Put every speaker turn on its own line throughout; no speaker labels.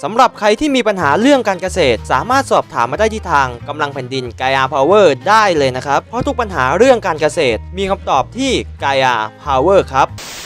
สำหรับใครที่มีปัญหาเรื่องการเกษตรสามารถสอบถามมาได้ที่ทางกำลังแผ่นดิน Gaia Power ได้เลยนะครับเพราะทุกปัญหาเรื่องการเกษตรมีคำตอบที่ Gaia Power ครับ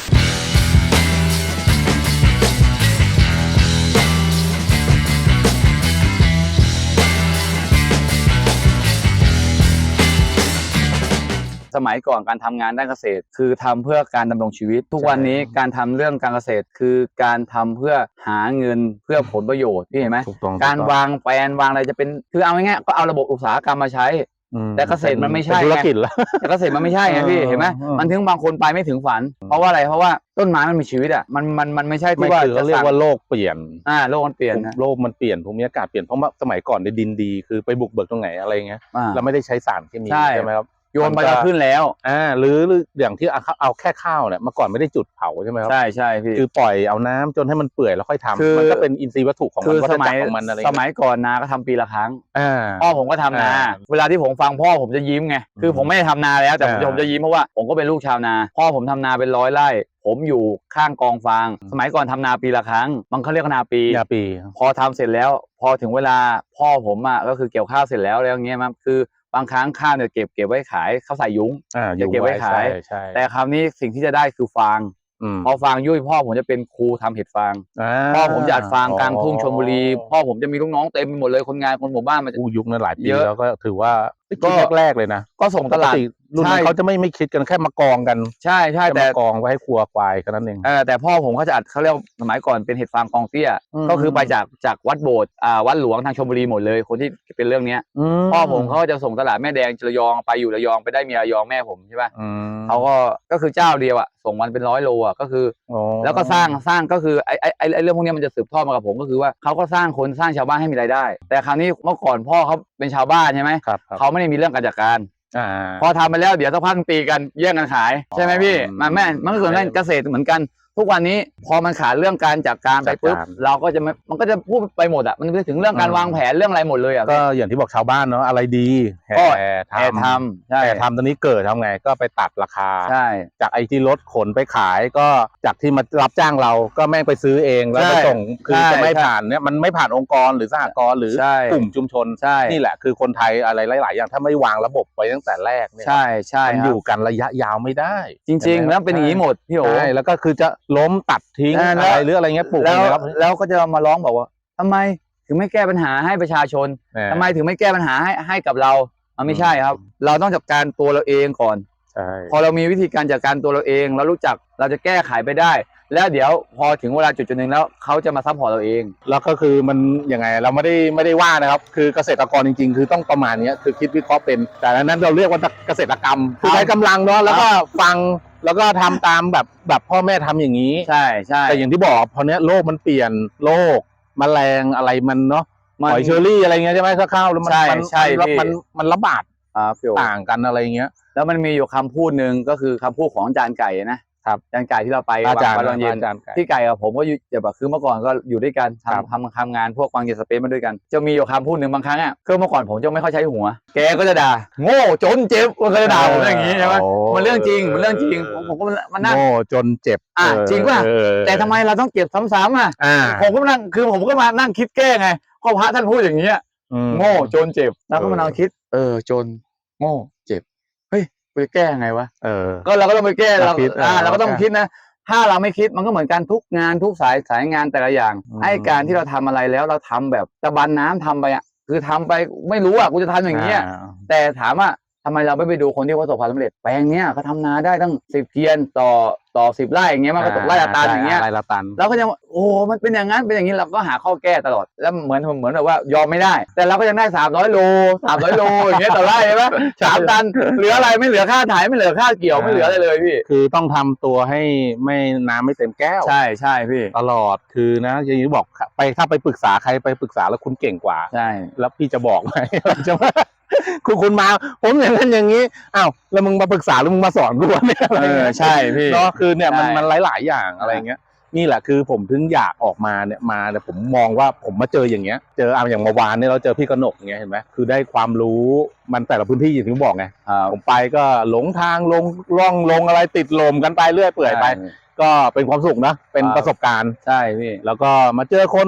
สมัยก่อนการทำงานด้านเกษตรคือทำเพื่อการดำรงชีวิตทุกวันนี้การทำเรื่องการเกษตรคือการทำเพื่อหาเงินเพื่อผลประโยชน์พี่เห็นไหมการวางแผนวางอะไรจะเป็นคือเอาง่ายๆก็เอาระบบอุตสาหกรรมมาใช้แต่เกษตรมันไม่ใช่ธุรกิจแล้วแต่เกษตรมันไม่ใช่ไงพี่เห็นไหมมันถึงบางคนไปไม่ถึงฝันเพราะว่าอะไรเพราะว่าต้นไม้มันมีชีวิตอ่ะมันไม่ใช่ที่ว่าจะเรียกว่าโลกเปลี่ยนโลกมันเปลี่ยนโลกมันเปลี่ยนภูมิอากาศเปลี่ยนเพราะว่าสมัยก่อนในดินดีคือไปบุกเบิกตรงไหนอะไรเงี้ยเราไม่ได้ใช้สารเคมีใช่ไหมครับโยนไปก็ขึ้นแล้วหรืออย่างที่เอาแค่ข้าวเนี่ยเมื่อก่อนไม่ได้จุดเผาใช่ไหมครับใช่พี่คือปล่อยเอาน้ำจนให้มันเปื่อยแล้วค่อยทำมันก็เป็นอินทรีย์วัตถุของมันวัฏจักรของมันอะไรสมัยก่อนนาก็ทำปีละครั้งพ่อผมก็ทำนาเวลาที่ผมฟังพ่อผมจะยิ้มไงคือผมไม่ได้ทำนาแล้วแต่ผมจะยิ้มเพราะว่าผมก็เป็นลูกชาวนาพ่อผมทำนาเป็น100 ไร่ผมอยู่ข้างกองฟางสมัยก่อนทำนาปีละครั้งมันเขาเรียกนาปีพอทำเสร็จแล้วพอถึงเวลาพ่อผมก็คือเกี่ยวข้าวเสร็จแล้วอย่างเงี้ยมั้งคือบางครั้งข้าวเนี่ยเก็บไว้ขายเขาใส่ยุ้งจะเก็บไว้ขายแต่คราวนี้สิ่งที่จะได้คือฟางพอฟางยุ่ยพ่อผมจะเป็นครูทำเห็ดฟางพ่อผมจะอัดฟางกลางทุ่งชลบุรีพ่อผมจะมีลูกน้องเต็มไปหมดเลยคนงานคนหมู่บ้านมันจะยุคนั้นหลายปีแล้วก็ถือว่าก็แรกเลยนะก็ส่งตลาดรุ่นนั้นเขาจะไม่คิดกันแค่มากองกันใช่แต่มากองไว้ให้ครัวควายแค่นั้นเองแต่พ่อผมเขาจะอัดเขาเรียกสมัยก่อนเป็นเห็ดฟางกองเตี้ยก็คือไปจากวัดโบสถ์วัดหลวงทางชลบุรีหมดเลยคนที่เป็นเรื่องนี้พ่อผมเขาจะส่งตลาดแม่แดงระยองไปอยู่ระยองไปได้เมียระยองแม่ผมใช่ป่ะเขาก็คือเจ้าเดียวส่งวันเป็น100 โลก็คือแล้วก็สร้างก็คือไอ้เรื่องพวกนี้มันจะสืบทอดมากับผมก็คือว่าเขาก็สร้างคนสร้างชาวบ้านให้มีรายได้แต่คราวนี้เมื่อก่อนพ่อเขาเป็นชาวบ้านใช่ไหมเขาไม่ได้มีเรื่องการจัดการพอทำไปแล้วเดี๋ยวสักพักตีกันแย่งกันขายใช่ไหมพี่มันก็ส่วนนั้นเกษตรเหมือนกันทุกวันนี้พอมันขาดเรื่องการจัดการไปปุ๊บเราก็จะมันก็จะพูดไปหมดมันไปถึงเรื่องการวางแผนเรื่องอะไรหมดเลยก็อย่างที่บอกชาวบ้านเนาะอะไรดีแห่ทำตอนนี้เกิดทำไงก็ไปตัดราคาจากไอ้ที่รถขนไปขายก็จากที่มารับจ้างเราก็แม่งไปซื้อเองแล้วไปส่งคือจะไม่ผ่านเนี่ยมันไม่ผ่านองค์กรหรือสหกรณ์หรือกลุ่มชุมชนนี่แหละคือคนไทยอะไรหลายๆอย่างถ้าไม่วางระบบไว้ตั้งแต่แรกเนี่ยมันอยู่กันระยะยาวไม่ได้จริงๆแล้วเป็นอย่างนี้หมดพี่โอ๋แล้วก็คือจะล้มตัดทิ้งอะไรหรืออะไรเงี้ยปลูกแล้วก็จะมาร้องบอกว่าทำไมถึงไม่แก้ปัญหาให้ประชาชนทำไมถึงไม่แก้ปัญหาให้กับเราไม่ใช่ครับเราต้องจัดการตัวเราเองก่อนพอเรามีวิธีการจัดการตัวเราเองเรารู้จักเราจะแก้ไขไปได้แล้วเดี๋ยวพอถึงเวลาจุดหนึ่งแล้วเขาจะมาซัพพอร์ตเราเองแล้วก็คือมันยังไงเราไม่ได้ว่านะครับคือเกษตรกรจริงๆคือต้องประมาณนี้คือคิดวิเคราะห์เป็นแต่นั้นเราเรียกว่าเกษตรกรรมคือใช้กำลังเนาะแล้วก็ฟังแล้วก็ทำตามแบบพ่อแม่ทำอย่างนี้ใช่แต่อย่างที่บอกพอเนี้ยโลกมันเปลี่ยนโลกแมลงอะไรมันเนาะหอยเชอรี่อะไรเงี้ยใช่ไหมข้าวแล้วมันระบาดต่างกันอะไรเงี้ยแล้วมันมีอยู่คำพูดหนึ่งก็คือคำพูดของอาจารย์ไก่นะครับอาจารย์ไก่ที่เราไปวางตอนเย็นที่ไก่กับผมก็อยู่แบบคือเมื่อก่อนก็อยู่ด้วยกันทำงานพวกวางเย็นสเปซมาด้วยกันจะมีอยู่คำพูดหนึ่งบางครั้งคือเมื่อก่อนผมจะไม่ค่อยใช้หัวแกก็จะด่าโง่จนเจ็บมันก็จะด่าผมอย่างนี้ใช่ไหมมันเรื่องจริงผมก็มันนั่งโง่จนเจ็บจริงป่ะแต่ทำไมเราต้องเก็บซ้ำๆผมก็นั่งคือผมก็มานั่งคิดแก้ไงก็พระท่านพูดอย่างนี้โง่จนเจ็บแล้วก็มานั่งคิดจนโง่เจ็บเฮ้ยไปแก้ไงวะก็เราก็ต้องไปแก้เราก็ต้องคิดนะถ้าเราไม่คิดมันก็เหมือนกันทุกงานทุกสายงานแต่ละอย่างไอ้การที่เราทำอะไรแล้วเราทำแบบตะบันน้ำทำไปคือทำไปไม่รู้กูจะทำอย่างนี้แต่ถามว่าทำไมเราไม่ไปดูคนที่ประสบความสำเร็จแปลงเนี้ยเขาทำนาได้ตั้ง10 เกวียนต่อ10 ไร่อย่างเงี้ยมันก็ตกไร่ละตันอย่างเงี้ยเราก็จะโอ้มันเป็นอย่างนั้นเป็นอย่างนี้เราก็หาข้อแก้ตลอดแล้วเหมือนแบบว่ายอมไม่ได้แต่เราก็ยังได้300 โลอย่างเงี้ยต่อไร่ใช่ไหม3 ตันเหลืออะไรไม่เหลือค่าถ่ายไม่เหลือค่าเกี่ยวไม่เหลืออะไรเลยพี่คือต้องทำตัวให้ไม่น้ำไม่เต็มแก้วใช่พี่ตลอดคือนะอย่างที่บอกไปถ้าไปปรึกษาใครไปปรึกษาแล้วคุณเก่งกว่าใช่แล้วพี่จะบอกไหมจะว่าคุณมาผมอย่างนั้นอย่างนี้อ้าวแล้วมึงมาปรึกษาแล้วมึงมาสอนกูเนี่ยใช่พี่เนาะคือเนี่ยมันหลายอย่างอะไรเงี้ยนี่แหละคือผมถึงอยากออกมาเนี่ยผมมองว่าผมมาเจออย่างเงี้ยเจออย่างเมื่อวานเนี่ยเราเจอพี่กนกอย่างเงี้ยเห็นไหมคือได้ความรู้มันแต่ละพื้นที่อย่างที่บอกไงผมไปก็หลงทางลงอะไรติดลมกันไปเรื่อยเปื่อยไปก็เป็นความสุขนะเป็นประสบการณ์ใช่พี่แล้วก็มาเจอคน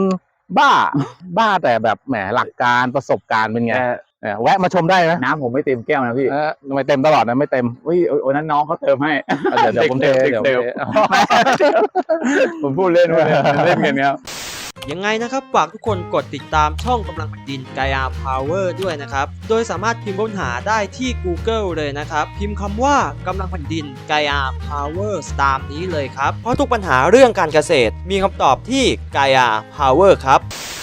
บ้า บ้าแต่แบบแหมหลักการประสบการณ์เป็นไง แวะมาชมได้นะ
น้ำผมไม่เต็มแก้วนะพี่
ไม่เต็มตลอดนะไม่เต็ม
อุ้ยโอ้นั้นน้องเขาเติมให้
เดี๋ยวผมเทเดี๋ยวผมเท
ผมพูดเล่นเล่นกันครับ
ยังไงนะครับฝากทุกคนกดติดตามช่องกำลังแผ่นดิน Gaia Power ด้วยนะครับ โดยสามารถพิมพ์ค้นหาได้ที่ Google เลยนะครับ พิมพ์คำว่ากำลังแผ่นดิน Gaia Power ตามนี้เลยครับ เพราะทุกปัญหาเรื่องการเกษตรมีคำตอบที่ Gaia Power ครับ